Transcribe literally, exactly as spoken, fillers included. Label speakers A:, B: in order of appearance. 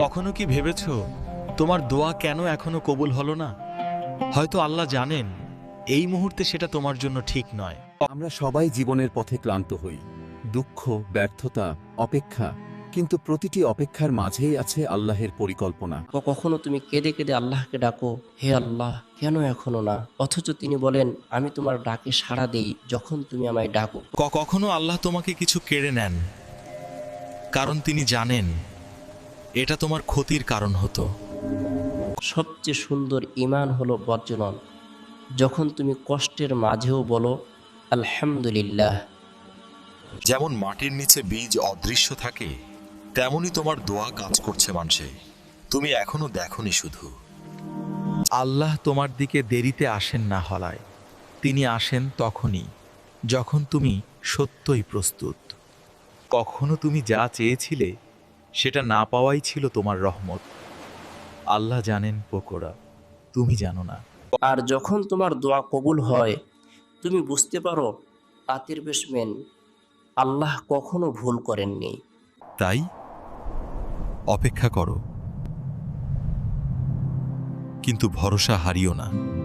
A: কখনো কি ভেবেছ তোমার দোয়া কেন এখনো কবুল হলো না? হয়তো আল্লাহ জানেন এই মুহূর্তে সেটা তোমার জন্য ঠিক নয়।
B: আমরা সবাই জীবনের পথে ক্লান্ত হই, দুঃখ, ব্যর্থতা, অপেক্ষা, কিন্তু প্রতিটি অপেক্ষার মাঝেই আছে আল্লাহের পরিকল্পনা।
C: ক- কখনো তুমি কেঁদে কেঁদে আল্লাহকে ডাকো, হে আল্লাহ কেন এখনো না, অথচ তিনি বলেন আমি তোমার ডাকে সাড়া দেই যখন তুমি আমায় ডাকো।
A: ক- কখনো আল্লাহ তোমাকে কিছু কেড়ে নেন, কারণ তিনি জানেন এটা তোমার ক্ষতির কারণ হতো।
C: সবচেয়ে সুন্দর ঈমান হলো বর্জনন, যখন তুমি কষ্টের মাঝেও বলো আলহামদুলিল্লাহ।
A: যেমন মাটির নিচে বীজ অদৃশ্য থাকে, তেমনি তোমার দোয়া কাজ করছে মানুষে, তুমি এখনো দেখনি শুধু। আল্লাহ তোমার দিকে দেরিতে আসেন না হলায়, তিনি আসেন তখনই যখন তুমি সত্যই প্রস্তুত। কখনো তুমি যা চেয়েছিলে সেটা না পাওয়াই ছিল তোমার রহমত। আল্লাহ জানেন পোকোরা, তুমি জানো না।
C: আর যখন তোমার দোয়া কবুল হয়, তুমি বুঝতে পারো তাঁতির বেশমেন আল্লাহ কখনো ভুল করেননি।
A: তাই অপেক্ষা করো, কিন্তু ভরসা হারিও না।